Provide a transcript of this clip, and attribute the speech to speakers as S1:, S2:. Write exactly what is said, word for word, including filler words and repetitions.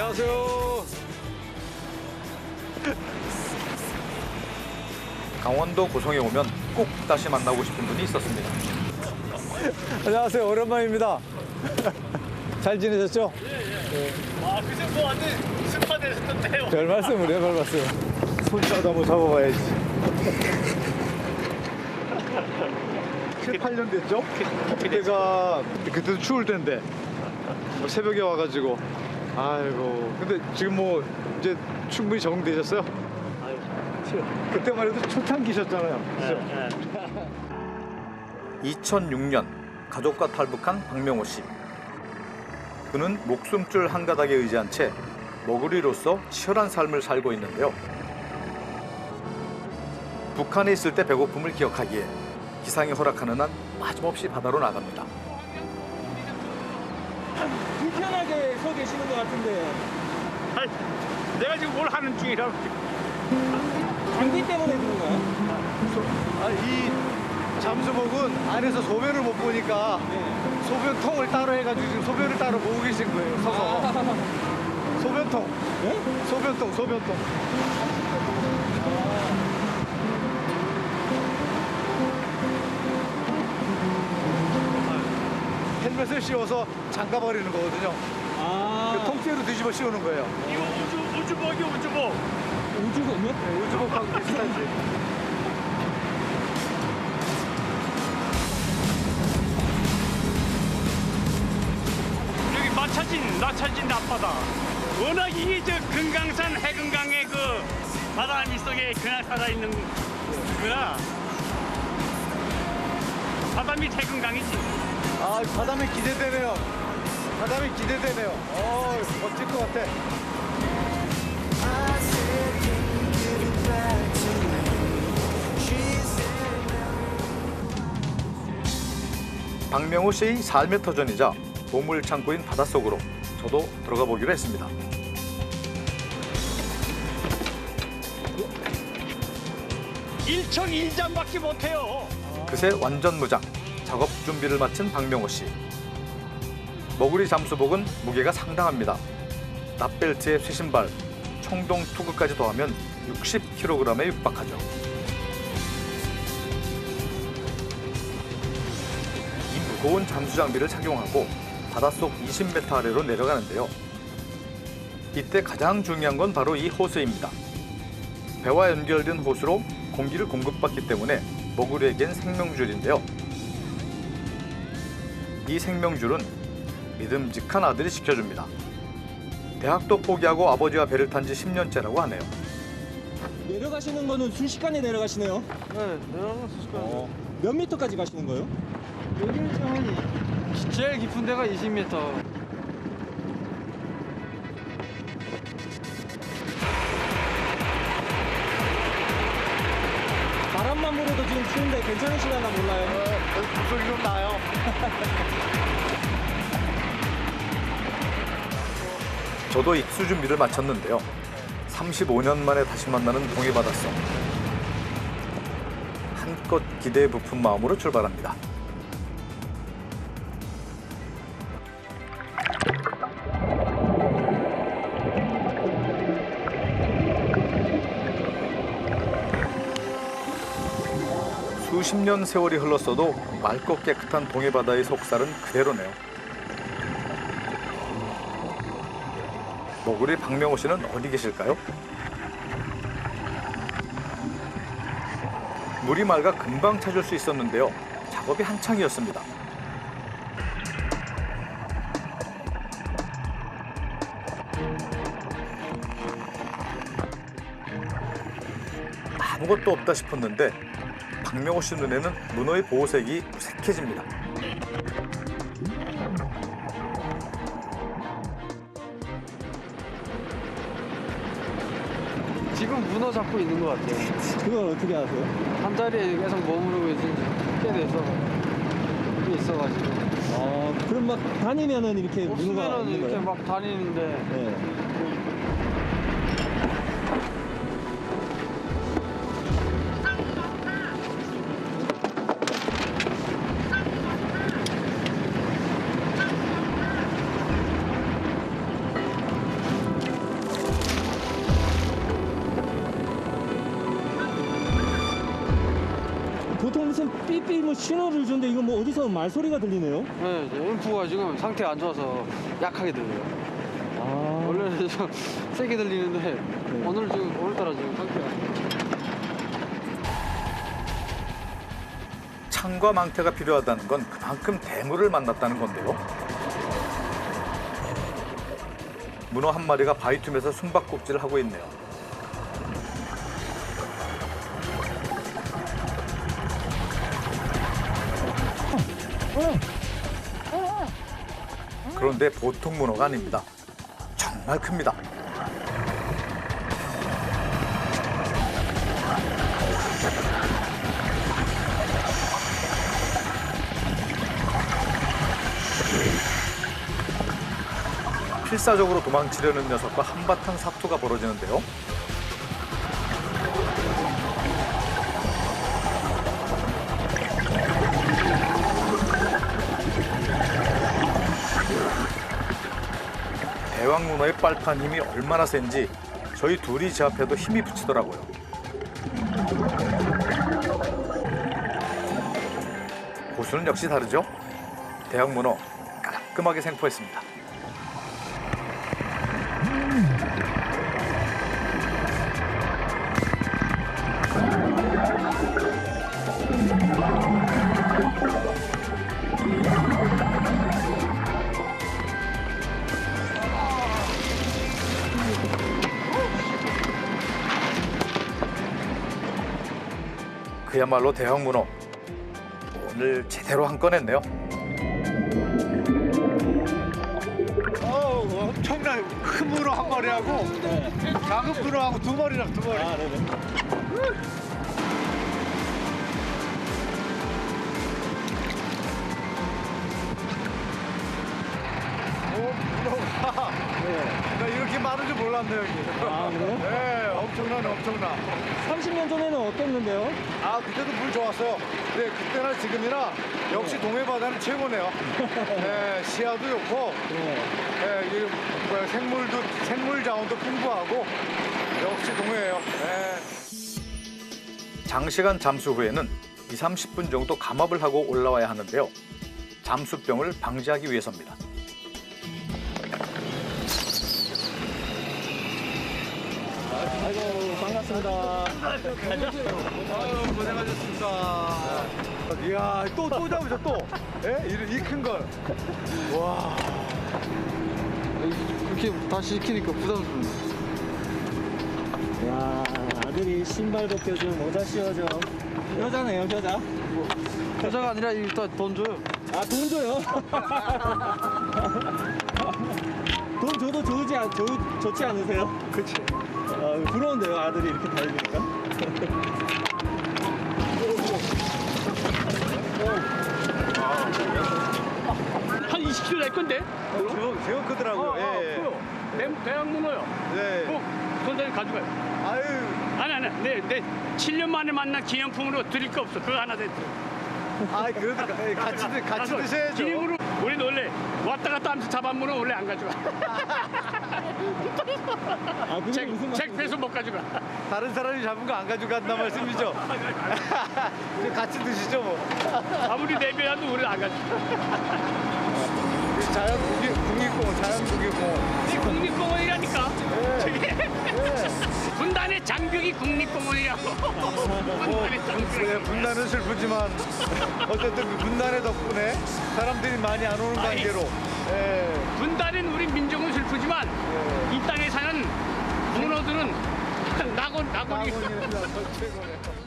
S1: 안녕하세요.
S2: 강원도 고성에 오면 꼭 다시 만나고 싶은 분이 있었습니다.
S1: 안녕하세요. 오랜만입니다. 잘 지내셨죠?
S3: 예, 예. 와, 그새 뭐 완전 스파 되셨던데요.
S1: 별 말씀을 해, 별 말씀. 손이라도 한번 잡아봐야지. 칠, 팔 년 됐죠? 그때가 그때도 추울 텐데 뭐 새벽에 와가지고 아이고 근데 지금 뭐 이제 충분히 적응되셨어요?
S3: 아유,
S1: 그때만 해도 초창기셨잖아요. 그죠?
S2: 이천육 년 가족과 탈북한 박명호 씨. 그는 목숨줄 한 가닥에 의지한 채 먹으리로서 치열한 삶을 살고 있는데요. 북한에 있을 때 배고픔을 기억하기에 기상이 허락하는 한 빠짐없이 바다로 나갑니다.
S4: 불편하게 서 계시는 것 같은데
S3: 아이, 내가 지금 뭘 하는 중이라고.
S4: 감기 때문에 그런가요?
S1: 아, 이 잠수복은 안에서 소변을 못 보니까
S4: 네.
S1: 소변통을 따로 해가지고 지금 소변을 따로 보고 계신 거예요. 서서
S4: 아,
S1: 소변통,
S4: 네?
S1: 소변통, 소변통. 헬멧을 씌워서 잠가버리는 거거든요.
S4: 아,
S1: 그 통째로 뒤집어 씌우는 거예요.
S3: 이거 우주, 우주복이 우주복.
S4: 우주군요?
S1: 네, 우주복하고 비슷하지.
S3: 여기 마차진, 마차진 앞바다. 워낙 이게 저 금강산 해금강의 그 바다 밑속에 그냥 살아있는 거라. 바다 밑 해금강이지.
S1: 아, 바다면 기대되네요. 바다면 기대되네요. 어, 멋질 것 같아.
S2: 박명호 씨의 삶의 터전이자 보물 창고인 바닷속으로 저도 들어가 보기로 했습니다.
S3: 일청일장밖에 못해요.
S2: 그새 완전 무장, 작업 준비를 마친 박명호 씨. 머구리 잠수복은 무게가 상당합니다. 납벨트에 쇠신발, 청동 투구까지 더하면 육십 킬로그램에 육박하죠. 이 무거운 잠수 장비를 착용하고 바닷속 이십 미터 아래로 내려가는데요. 이때 가장 중요한 건 바로 이 호스입니다. 배와 연결된 호스로 공기를 공급받기 때문에 머구리에겐 생명줄인데요. 이 생명줄은 믿음직한 아들이 지켜줍니다. 대학도 포기하고 아버지와 배를 탄 지 십 년째라고 하네요.
S4: 내려가시는 거는 순식간에 내려가시네요.
S5: 네, 내려가는 순식간에.
S4: 어, 몇 미터까지 가시는 거예요?
S5: 여기는 좀 제일 깊은 데가 이십 미터.
S4: 바람만 불어도 지금 추운데 괜찮으시려나 몰라요.
S1: 목소리 좀 나요.
S2: 저도 입수 준비를 마쳤는데요. 삼십오 년 만에 다시 만나는 동해 바닷속. 한껏 기대에 부푼 마음으로 출발합니다. 수십 년 세월이 흘렀어도 맑고 깨끗한 동해 바다의 속살은 그대로네요. 머구리 박명호 씨는 어디 계실까요? 물이 맑아 금방 찾을 수 있었는데요. 작업이 한창이었습니다. 아무것도 없다 싶었는데 박명호 씨 눈에는 문어의 보호색이 무색해집니다.
S5: 지금 문어 잡고 있는 것 같아요.
S4: 그걸 어떻게 아세요?
S5: 한 자리에 계속 머무르고 있은 지 꽤 돼서 꽤 있어가지고.
S4: 어, 그럼 막 다니면은 이렇게 문어가
S5: 없으면은
S4: 있는
S5: 이렇게
S4: 거예요?
S5: 막 다니는데
S4: 네. 삐삐 뭐 신호를 주는데 이거 뭐 어디서 말소리가 들리네요?
S5: 네, 이제 앰프가 지금 상태가 안 좋아서 약하게 들려요.
S4: 아,
S5: 원래는 좀 세게 들리는데 오늘 지금 오늘따라 지금 상태가 안 좋아요.
S2: 창과 망태가 필요하다는 건 그만큼 대물을 만났다는 건데요. 문어 한 마리가 바위 틈에서 숨바꼭질을 하고 있네요. 그런데 보통 문어가 아닙니다. 정말 큽니다. 필사적으로 도망치려는 녀석과 한바탕 사투가 벌어지는데요. 대왕문어의 빨판 힘이 얼마나 센지 저희 둘이 제 앞에도 힘이 붙이더라고요. 고수는 역시 다르죠. 대왕문어 깔끔하게 생포했습니다. 그야말로 대왕문어. 오늘 제대로 한 건 했네요.
S1: 어우, 엄청나게 큰 문어 한 마리하고 작은 문어하고 두 마리랑 두 마리.
S4: 아, 네네.
S1: 오, 문어가.
S4: 네.
S1: 나 이렇게 많은 줄 몰랐네 여기.
S4: 아, 그래요?
S1: 네, 엄청나네, 엄청나.
S4: 삼십 년 전에는 어땠는데요?
S1: 아, 그때도 물 좋았어요. 근데 그때나 지금이나 역시 동해 바다는 최고네요. 네, 시야도 좋고,
S4: 네.
S1: 네, 이 뭐야, 생물도 생물 자원도 풍부하고 역시 동해예요. 네.
S2: 장시간 잠수 후에는 이삼십 분 정도 감압을 하고 올라와야 하는데요. 잠수병을 방지하기 위해서입니다.
S4: 아이고, 반갑습니다.
S1: 아유, 고생하셨습니다. 이야, 또, 또 잡으죠, 또. 예? 이 큰 걸. 와.
S5: 그렇게 다시 시키니까 부담스럽네.
S4: 야, 아들이 신발 벗겨준 모자 씌워줘. 효자네요, 효자.
S5: 여자가 아니라 일단 돈 줘요.
S4: 아, 돈 줘요? 돈 줘도 좋지, 않, 좋, 좋지 않으세요?
S1: 그치.
S4: 아, 부러운데요, 아들이 이렇게 달리니까.
S3: 한 이십 킬로그램 될 건데?
S1: 제법, 제법 크더라고요. 예, 예.
S3: 대, 대학문어요.
S1: 네.
S3: 꼭 선생님 가져가요.
S1: 아유.
S3: 아니 아니, 내, 내 칠 년 만에 만난 기념품으로 드릴 거 없어. 그거 하나 됐어.
S1: 아, 그래도 가- 예, 같이, 드- 같이 드셔야죠.
S3: 기념으로 우리 원래 왔다 갔다 하면서 잡아물은 원래 안 가져가.
S4: 아, 그게
S3: 책,
S4: 무슨
S3: 책
S4: 말이에요?
S3: 빼서 못 가져가.
S1: 다른 사람이 잡은 거 안 가져간다 말씀이죠? 이제 같이 드시죠, 뭐.
S3: 아무리 내배해도 우리 안 가져가.
S1: 자연 국립, 국립공원, 자연 국립공원.
S3: 이 국립공원이라니까.
S1: 네.
S3: 저게 분단의 장벽이 국립공원이라고. 분단의
S1: 네,
S3: 장벽.
S1: 분단은 슬프지만 어쨌든 그 분단의 덕분에 사람들이 많이 안 오는
S3: 아이.
S1: 관계로. 예.
S3: 분단은 우리 민족은 슬프지만
S1: 예.
S3: 이 땅에 사는 문어들은 낙원 낙원이.
S1: 낙원이라서 최고네요.